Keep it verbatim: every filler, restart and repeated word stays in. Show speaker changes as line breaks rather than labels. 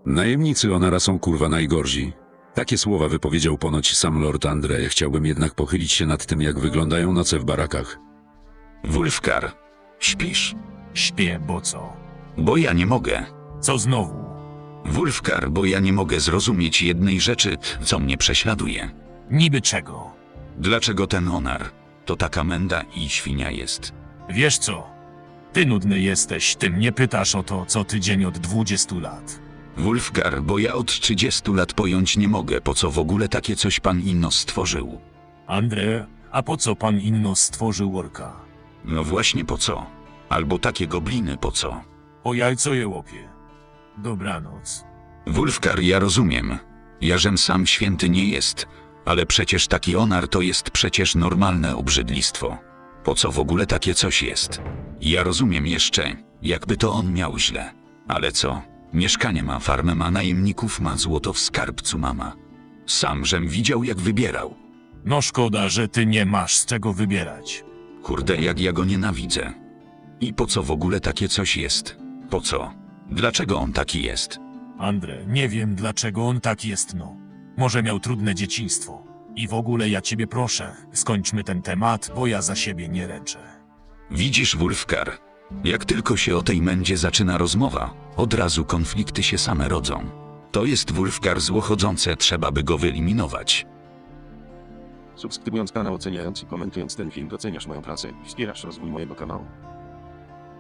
Najemnicy Onara są kurwa najgorsi. Takie słowa wypowiedział ponoć sam Lord Andre. Chciałbym jednak pochylić się nad tym, jak wyglądają noce w barakach.
Wulfgar, śpisz?
Śpię, bo co?
Bo ja nie mogę.
Co znowu?
Wulfgar, bo ja nie mogę zrozumieć jednej rzeczy, co mnie prześladuje.
Niby czego?
Dlaczego ten Onar to taka menda i świnia jest?
Wiesz co? Ty nudny jesteś, ty mnie pytasz o to co tydzień od dwudziestu lat.
Wulfgar, bo ja od trzydziestu lat pojąć nie mogę, po co w ogóle takie coś pan Inno stworzył.
Andre, a po co pan Inno stworzył orka?
No właśnie po co? Albo takie gobliny po co?
O jajco je łopie. Dobranoc.
Wulfgar, ja rozumiem. Jarzem sam święty nie jest, ale przecież taki Onar to jest przecież normalne obrzydlistwo. Po co w ogóle takie coś jest? Ja rozumiem jeszcze, jakby to on miał źle. Ale co? Mieszkanie ma, farmę ma, najemników ma, złoto w skarbcu mama. Sam żem widział, jak wybierał.
No szkoda, że ty nie masz z czego wybierać.
Kurde, jak ja go nienawidzę. I po co w ogóle takie coś jest? Po co? Dlaczego on taki jest?
Andre, nie wiem dlaczego on tak jest no. Może miał trudne dzieciństwo. I w ogóle ja ciebie proszę, skończmy ten temat, bo ja za siebie nie ręczę.
Widzisz, Wulfgar, jak tylko się o tej mędzie zaczyna rozmowa, od razu konflikty się same rodzą. To jest Wulfgar złochodzące, trzeba by go wyeliminować.
Subskrybując kanał, oceniając i komentując ten film, doceniasz moją pracę i wspierasz rozwój mojego kanału.